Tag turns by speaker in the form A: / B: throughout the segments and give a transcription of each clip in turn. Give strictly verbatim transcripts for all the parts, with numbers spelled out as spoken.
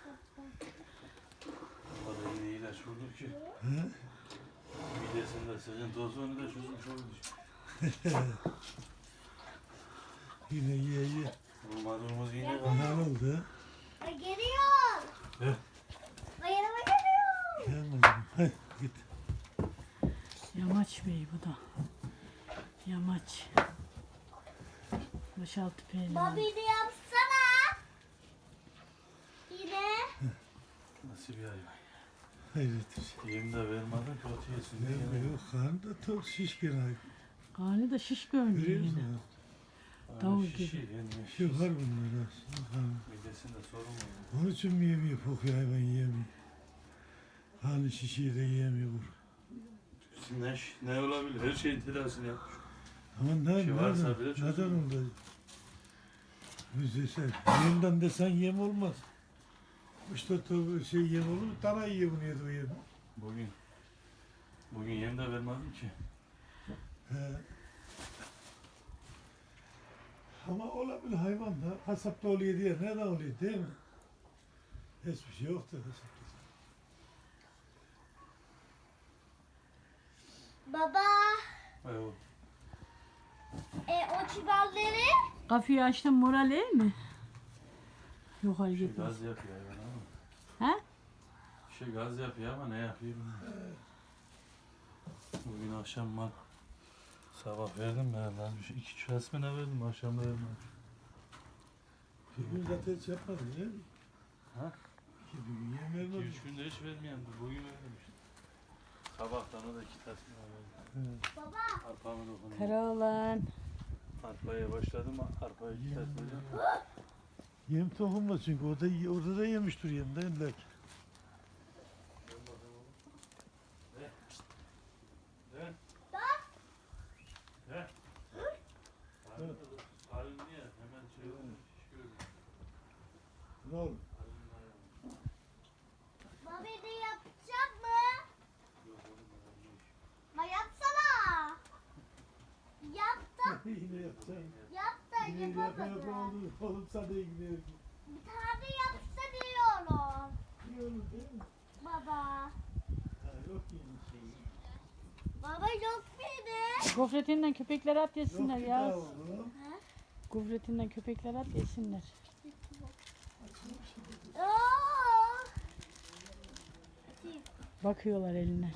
A: Bana yine ilaç vurdu ki.
B: He?
A: Midesinde sıkıntı olsa onu da çözmüş olmuş.
B: Yine ye ye.
A: Vurmadığımız yine
B: Ne
A: kaldı.
B: oldu?
C: Ay geliyor.
A: He?
C: Ay yanıma geliyor.
B: Gelme oğlum. Hadi git.
D: Yamaç Bey bu da. Yamaç. Boşaltı pehlivan.
C: Babini yapsana. Yine.
A: Nasıl bir hayvan?
B: Hayret bir şey.
A: Yem de vermeden kötü yesin diye.
B: Ne yok karnı da tok şişkin hayvan.
D: Karnı da şiş görünüyor
B: Görüyor
D: yine.
B: musun?
D: Davul
A: Şişi,
D: gibi.
A: yenmiş.
B: Şu var bunlar aslında. Ha.
A: Midesinde sorun var.
B: Onun için mi yemiyor kokuyor hayvan yiyemiyor. Hani şişeyi de yiyemiyor.
A: Ne, ne olabilir? Her şeyin tedavisini yapmış.
B: Ama ne,
A: Bir şey varsa
B: neden,
A: bile
B: neden
A: çözülür.
B: onda? Müzesel. Yemden desen yem olmaz. İşte tabii şey yem olur mu? Dana yiyor bunu yedi o yemi.
A: Bugün bugün yem de vermedim ki.
B: He. Ama olabilir hayvan da kasapta oluyor diye neden oluyor değil mi? Hiçbir şey yoktur kasapta.
C: Baba.
A: Evet.
C: E o çiballeri.
D: Kafayı açtın moral iyi mi? Yok hayır
A: Şey
D: gitmez.
A: gaz yapıyor hayvan ama.
D: He?
A: Bir şey gaz yapıyor ama ne yapıyor bilmiyorum. Bugün akşam mal sabah verdim ben lan. Bir şey, iki çösmene verdim akşam da vermedim.
B: Bir gün zaten hiç yapmadın değil mi?
A: Ha?
B: İki gün yem
A: İki
B: vermedin.
A: üç günde hiç vermeyen bugün verdim işte. Sabahtan o da iki tasma verdim.
B: He.
C: Baba.
A: Arpamı dokundum.
D: Karaoğlan.
A: Arpaya başladım arpaya iki
B: Yem.
A: tasma.
B: Yem tohumla çünkü orada, orada da yemiştir yem değil mi?
A: Halin niye? Hemen şey olmuş. Şiş gördüm.
B: Ne olur?
A: Halinin ayağı.
C: Babini yapacak mı?
A: Yok oğlum ya, yok.
C: Ma yapsana. Yap da.
B: Yine yapacağım.
C: Yap da
B: Yine yapa yapa
C: yapamadım.
B: oldu. Oğlum sana iyi gidiyor.
C: Bir tane yapsa diyorum.
B: İyi olur değil mi?
C: Baba.
B: Ha, yok yeni şey.
C: Baba yok muydu?
D: Gofretinden köpekler at
B: Yok
D: yesinler
B: ki
D: ya.
B: daha oğlum.
D: Gofretinden köpekler at yesinler.
C: Oo.
D: Bakıyorlar eline.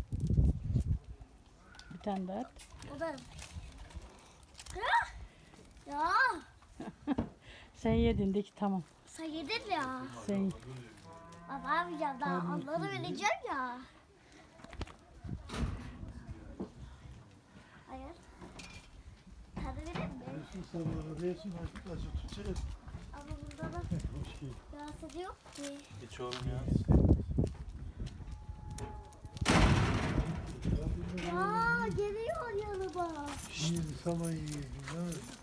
D: Bir tane daha at.
C: O da. Hah! Ya.
D: Sen yedin de ki tamam.
C: Sen yedin ya.
D: Sen
C: Baba yapacağım daha onları vereceğim ya. Hayır. Tadı verir mi?
B: Resim sabahı resim açık açık tutacak.
C: Ama bunda da
B: Hoş geldin.
C: rahatsız yok ki.
A: Hiç oğlum ya.
C: Ya geliyor yanıma.
B: Şimdi saman yiyelim.